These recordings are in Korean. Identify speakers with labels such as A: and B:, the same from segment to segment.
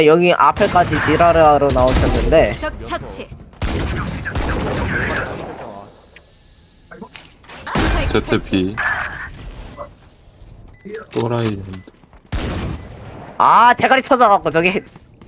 A: 여기 앞에까지 지랄을 하러 나오셨는데
B: 적 처치.
C: ZP 또라이.
A: 아 대가리 터져갖고 저기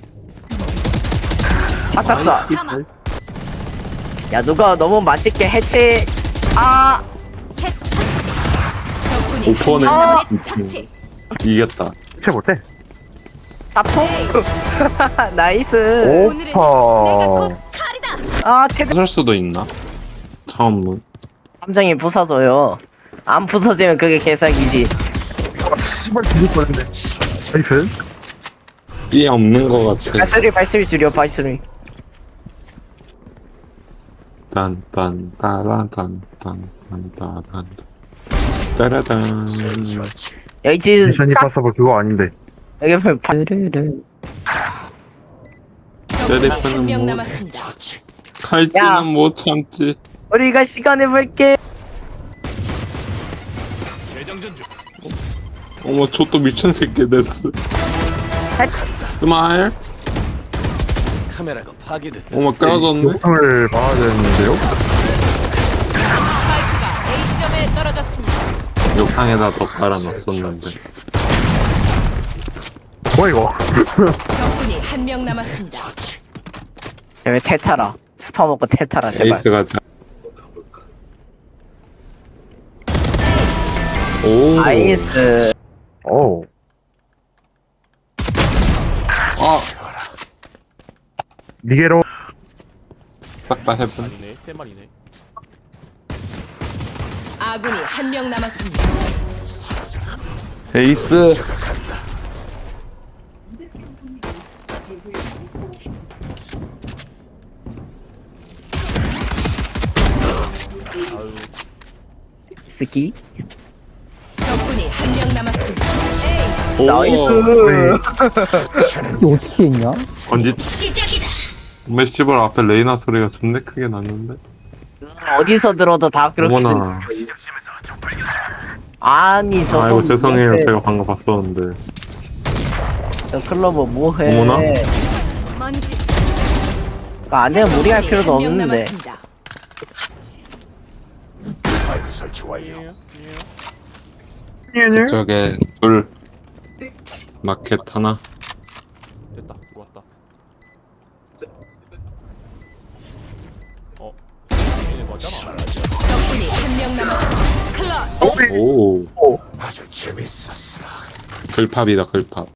A: 착각사.
B: 사망.
A: 야 누가 너무 맛있게 해치. 아
B: 셋 처치. 적군이
C: 오퍼네.
B: 한명 남았 처치.
C: 이겼다.
D: 채 못해.
A: 사포. 나이스.
B: 오늘은 내가
D: 오퍼.
B: 곧 칼이다.
A: 아 최대
C: 부술 수도 있나? 처음은
A: 함정이 부서져요. 안 부서지면 그게 개사기지.
D: 씨발 뒤질 뻔했네. 나이스.
C: 삐 없는 거 같아.
A: 발소리 줄여 발소리.
C: 딴딴 따라단 딴딴 따라단.
A: 여기 지금
D: 미션이 파서블 그거 아닌데.
A: 여기 보면 바르르.
C: 세리프는
B: 한명
C: 뭐
B: 남았습니다.
A: 야.
C: 칼찌는 못 참지.
A: 우리가 시간을 볼게.
C: 어머 저 또 미친 새끼 됐어. 스마일.
E: 카메라가 파괴됐다.
C: 어머 까졌네.
D: 영상을 봐야 되는데요.
B: 스파이크가 A점에 떨어졌습니다.
C: 욕탕에다 더 깔아놨었는데.
D: 뭐야 이거?
B: 적군이 한명 남았습니다.
A: 왜 테타라? 스파 먹고 테타라 제발.
C: 에이스가 자. 오.
A: 나이스.
D: 오.
C: 아.
D: 니게로.
C: 딱다 해본.
E: 아니네, 세 마리네.
B: 아군이 한명 남았습니다.
C: 에이스.
A: 스키.
B: 적군이 한명 남았습니다.
C: 오.
A: 나이스.
F: 이게 어떻게 했냐?
C: 번지.
B: 시작이다.
C: 메시벌 앞에 레이나 소리가 존나 크게 났는데.
A: 어디서 들어도 다 그렇게.
C: 어머나.
A: 아니 저거.
C: 아이고 죄송해요.
A: 뭐해.
C: 제가 방금 봤었는데.
A: 저 클로버 뭐해?
C: 어머나.
B: 먼지.
A: 안 되면 무리할 필요도
B: 한명
A: 없는데.
B: 남았습니다.
C: 저쪽에 둘. 마켓 하나.
E: 됐다, 들어왔다. 얘네 맞잖아.
B: 적군이 한명 남았습니다. 클럿.
C: 오. 아주 재밌었어. 글팝이다 글팝.